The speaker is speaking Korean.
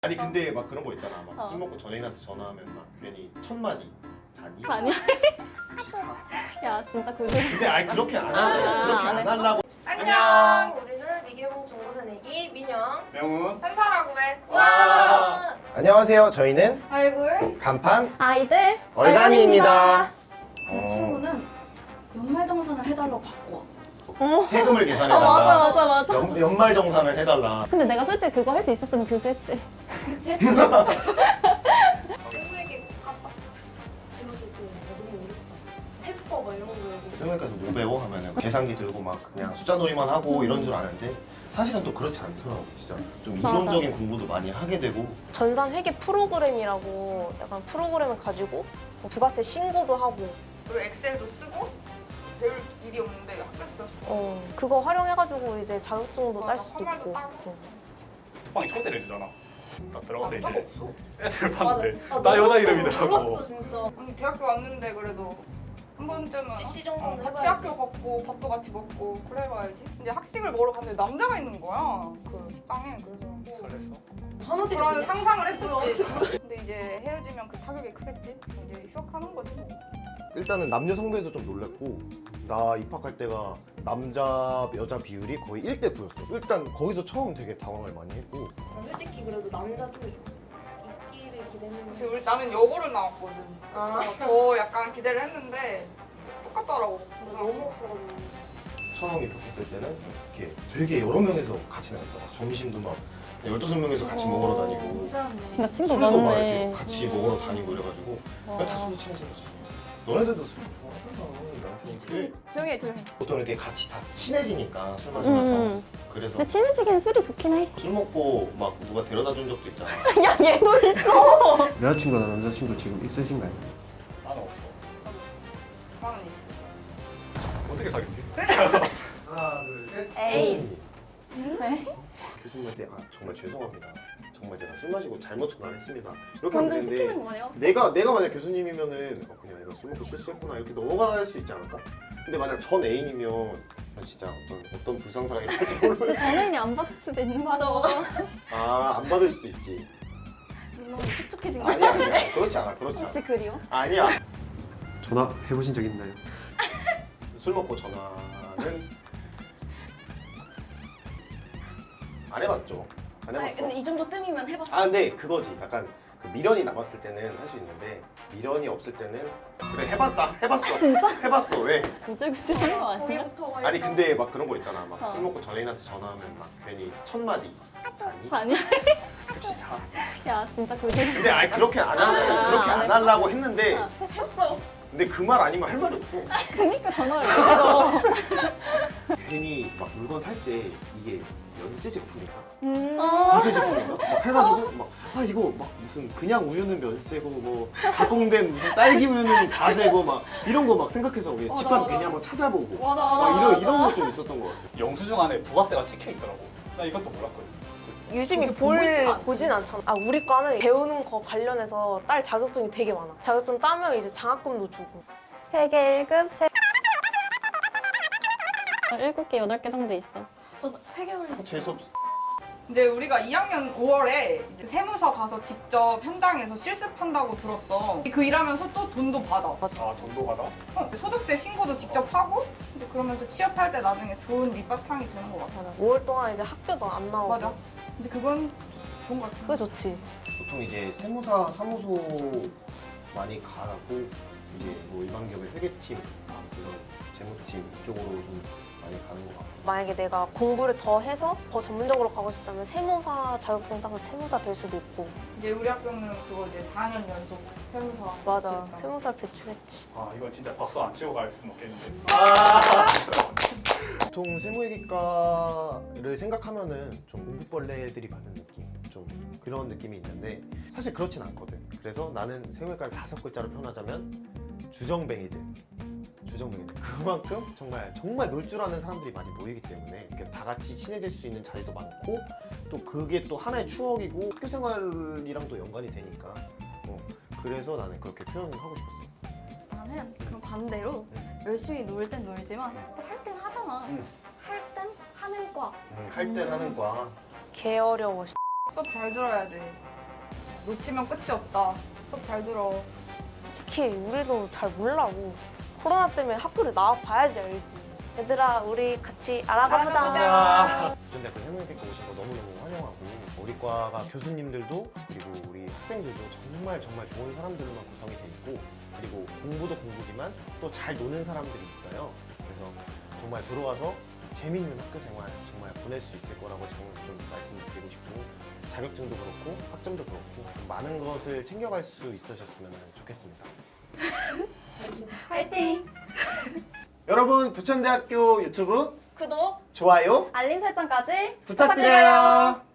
아니 근데 막 그런 거 있잖아. 막 술 먹고 전애인한테 전화하면 막 괜히 첫 마디 자니? 아니야. 혹시 자? 야 진짜 그거. 근데 아니 그렇게 안 하려고 그렇게 안 안 하려고. 안녕. 우리는 미개봉 정보새 내기 민영. 명훈. 한사라고 해. 와. 안녕하세요. 저희는 얼굴. 간판 아이들 얼간이입니다. 이 친구는 연말정산을 해달라고 바꿔. 세금을 맞아 계산해달라. 맞아 맞아. 연말 정산을 해달라. 근데 내가 솔직히 그거 할 수 있었으면 교수했지. 그치? 세무에게 깜빡 들었을 때 너무 어렵다. 태법 막 이런 거 외우고. 세무에까지 뭐 배워 하면은 계산기 들고 막 그냥 숫자 놀이만 하고 이런 줄 아는데 사실은 또 그렇지 않더라고. 진짜 좀 맞아. 이론적인 공부도 많이 하게 되고. 전산 회계 프로그램이라고 약간 프로그램을 가지고 뭐 부가세 신고도 하고. 그리고 엑셀도 쓰고 배울 일이 없는데 학교에서 배웠어. 그거 활용해가지고 이제 자격증도 맞아, 딸 수도 컴활도 있고. 따고. 톡방에 초대를 해주잖아. 딱 들어가서 남자가 이제 없어. 애들 봤는데 맞아. 나 여자 이름이더라고. 몰랐어 진짜. 아니 대학교 왔는데 그래도 한 번쯤은 CC 정도는 같이 해봐야지. 학교 걷고 밥도 같이 먹고 그래 봐야지. 이제 학식을 먹으러 갔는데 남자가 있는 거야. 그 식당에. 그래서 설렜어. 그런 상상을 했었지. 근데 이제 헤어지면 그 타격이 크겠지. 이제 휴학하는 거지 뭐. 일단은 남녀 성배도 좀 놀랐고 나 입학할 때가 남자 여자 비율이 거의 1대 9였어. 일단 거기서 처음 되게 당황을 많이 했고. 솔직히 그래도 남자 좀 있기를 기대했는데. 그래서 나는 여고를 나왔거든. 그래서 더 약간 기대를 했는데 똑같더라고. 진짜 너무 없어가지고. 처음 입학했을 때는 이렇게 되게 여러 명에서 같이 나갔다. 점심도 막 15명에서 같이 먹으러 다니고 진짜 친구 술도 막 많네. 이렇게 같이 먹으러 다니고 이래가지고 그냥 다 술이 친해진 거지. 너네들도 술 좋아하잖아. 나한테 조용히 해, 조용히 해. 보통 이렇게 같이 다 친해지니까 술 마시면서 그래서 근데 친해지기엔 술이 좋긴 해. 술 먹고 막 누가 데려다 준 적도 있잖아. 야 얘도 있어. 여자친구나 남자친구 지금 있으신가요? 나는 없어. 나는 있어. 어떻게 사겠지? 하나 둘 셋. 에이. 교수님. 교수님한테 정말 죄송합니다. 정말 제가 술 마시고 잘못 전화했습니다. 이렇게 하면 완전 찍히는 되는데 거 아니야? 내가 만약 교수님이면은 그냥 내가 술 먹고 실수했구나 이렇게 넘어갈 수 있지 않을까? 근데 만약 전 애인이면 진짜 어떤 불상사가 일어날지 모르. 근데 전애인이 안 받을 수도 있는 맞아, 거잖아. 아안 받을 수도 있지. 물론 촉촉해진 거 아니야 그렇지 않아 그렇지 않아. 혹시 그리워? 아니야. 전화 해보신 적 있나요? 술 먹고 전화는 안 해봤죠. 안 아니 해봤어. 근데 이 정도 뜸이면 해봤어. 아 근데 그거지. 약간 그 미련이 남았을 때는 할 수 있는데 미련이 없을 때는 그래 해봤다. 해봤어. 진짜? 해봤어. 왜? 구질구질 하는 거 아니야? 거기부터 아니 근데 막 그런 거 있잖아. 막 어. 술 먹고 전애인한테 전화하면 막 괜히 첫 마디 자니? 아니야. 혹시 자? 야 진짜 구질구질. 근데 아니 그렇게 안 하려고 그렇게 안 안 하려고 했는데 했어. 근데 그 말 아니면 할 말이 없어. 그니까 전화를 왜 걸어. 괜히 막 물건 살 때 이게 연세 제품인가? 어. 과세 제품인가? 막 해가지고 막 아 이거 막 무슨 그냥 우유는 면세고 뭐 가공된 무슨 딸기 우유는 과세고 막 이런 거 막 생각해서 우리 집 가서 맞아. 괜히 한번 찾아보고 맞아, 막 맞아. 이런 거 좀 있었던 것 같아. 영수증 안에 부가세가 찍혀 있더라고. 나 이것도 몰랐거든. 유심히 그렇게 보고 있진 않지. 보진 않잖아. 아 우리 과는 배우는 거 관련해서 딸 자격증이 되게 많아. 자격증 따면 이제 장학금도 주고. 회계 1급 7개, 8개 정도 있어. 너 회계 올리. 재수 없어. 이제 우리가 2학년 5월에 이제 세무서 가서 직접 현장에서 실습한다고 들었어. 그 일하면서 또 돈도 받아. 아 돈도 받아? 소득세 신고도 직접 하고 이제 그러면서 취업할 때 나중에 좋은 밑바탕이 되는 것 같아. 5월 동안 이제 학교도 안 나오고. 맞아. 근데 그건 좋은 것 같아. 그게 좋지. 보통 이제 세무사 사무소 많이 가고 이제 뭐 일반 기업의 회계팀 그런 재무팀 이쪽으로 좀 많이 가는 것 같고. 만약에 내가 공부를 더 해서 더 전문적으로 가고 싶다면 세무사 자격증 따서 세무사 될 수도 있고. 이제 우리 학교는 그거 이제 4년 연속 세무사 맞아. 지냈잖아. 세무사 배출했지. 아 이건 진짜 박수 안 치고 갈 수는 없겠는데. 보통 세무회계과를 생각하면은 좀 공부벌레들이 많은 느낌, 좀 그런 느낌이 있는데 사실 그렇진 않거든. 그래서 나는 세무회과를 5글자로 표현하자면 주정뱅이들. 그만큼 정말 놀 줄 아는 사람들이 많이 모이기 때문에 이렇게 다 같이 친해질 수 있는 자리도 많고 또 그게 또 하나의 추억이고 학교 생활이랑 또 연관이 되니까 그래서 나는 그렇게 표현을 하고 싶었어. 나는 그럼 반대로 열심히 놀 땐 놀지만 또 할 땐 하잖아. 응. 할 땐 하는 과. 할 땐 하는 과. 개 어려워. 수업 잘 들어야 돼. 놓치면 끝이 없다. 수업 잘 들어. 특히 우리도 잘 몰라고. 코로나 때문에 학교를 나와봐야지 알지. 얘들아, 우리 같이 알아가보자. 부천대학교 생명교육과 오신 거 너무너무 환영하고 우리 과가 교수님들도 그리고 우리 학생들도 정말 좋은 사람들로만 구성이 돼 있고 그리고 공부도 공부지만 또 잘 노는 사람들이 있어요. 그래서 정말 들어와서 재밌는 학교 생활 정말 보낼 수 있을 거라고 좀 말씀드리고 싶고 자격증도 그렇고 학점도 그렇고 좀 많은 것을 챙겨갈 수 있으셨으면 좋겠습니다. 화이팅! 여러분 부천대학교 유튜브 구독, 좋아요 알림 설정까지 부탁드려요.